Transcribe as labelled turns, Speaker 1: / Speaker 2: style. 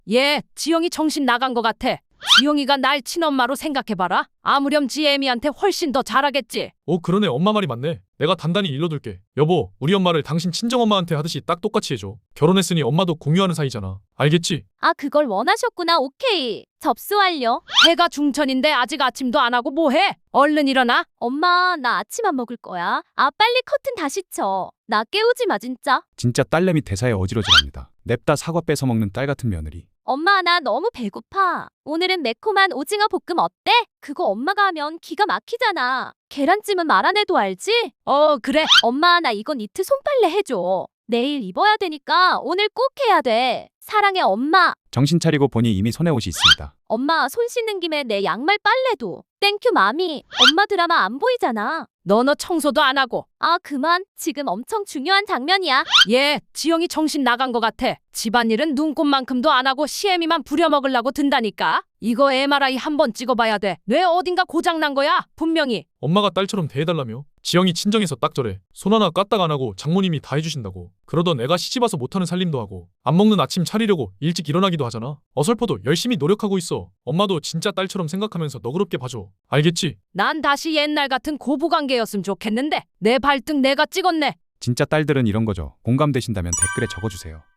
Speaker 1: 얘 지영이 정신 나간 것 같아. 지영이가 날 친엄마로 생각해봐라. 아무렴 지 애미한테 훨씬 더 잘하겠지.
Speaker 2: 그러네. 엄마 말이 맞네. 내가 단단히 일러둘게. 여보, 우리 엄마를 당신 친정엄마한테 하듯이 딱 똑같이 해줘. 결혼했으니 엄마도 공유하는 사이잖아. 알겠지?
Speaker 3: 아, 그걸 원하셨구나. 오케이. 접수 완료.
Speaker 1: 해가 중천인데 아직 아침도 안 하고 뭐해? 얼른 일어나.
Speaker 3: 엄마, 나 아침 안 먹을 거야. 아, 빨리 커튼 다시 쳐. 나 깨우지 마, 진짜.
Speaker 4: 진짜 딸내미 대사에 어지러질합니다. 냅다 사과 뺏어 먹는 딸 같은 며느리.
Speaker 3: 엄마, 나 너무 배고파. 오늘은 매콤한 오징어 볶음 어때? 그거 엄마가 하면 기가 막히잖아. 계란찜은 말 안 해도 알지?
Speaker 1: 그래.
Speaker 3: 엄마, 나 이건 니트 손빨래 해줘. 내일 입어야 되니까 오늘 꼭 해야 돼. 사랑해, 엄마.
Speaker 4: 정신 차리고 보니 이미 손에 옷이 있습니다.
Speaker 3: 엄마, 손 씻는 김에 내 양말 빨래도. 땡큐, 마미. 엄마 드라마 안 보이잖아.
Speaker 1: 너 청소도 안 하고.
Speaker 3: 아, 그만. 지금 엄청 중요한 장면이야.
Speaker 1: 얘 지영이 정신 나간 것 같아. 집안일은 눈곱만큼도 안 하고 시애미만 부려먹으려고 든다니까. 이거 MRI 한번 찍어봐야 돼. 뇌 어딘가 고장난 거야. 분명히.
Speaker 2: 엄마가 딸처럼 대해달라며? 지영이 친정에서 딱 저래. 손 하나 까딱 안 하고 장모님이 다 해주신다고. 그러던 애가 시집와서 못하는 살림도 하고 안 먹는 아침 차리려고 일찍 일어나기도 하잖아. 어설퍼도 열심히 노력하고 있어. 엄마도 진짜 딸처럼 생각하면서 너그럽게 봐줘. 알겠지?
Speaker 1: 난 다시 옛날 같은 고부관계였으면 좋겠는데 내 발등 내가 찍었네.
Speaker 4: 진짜 딸들은 이런 거죠. 공감되신다면 댓글에 적어주세요.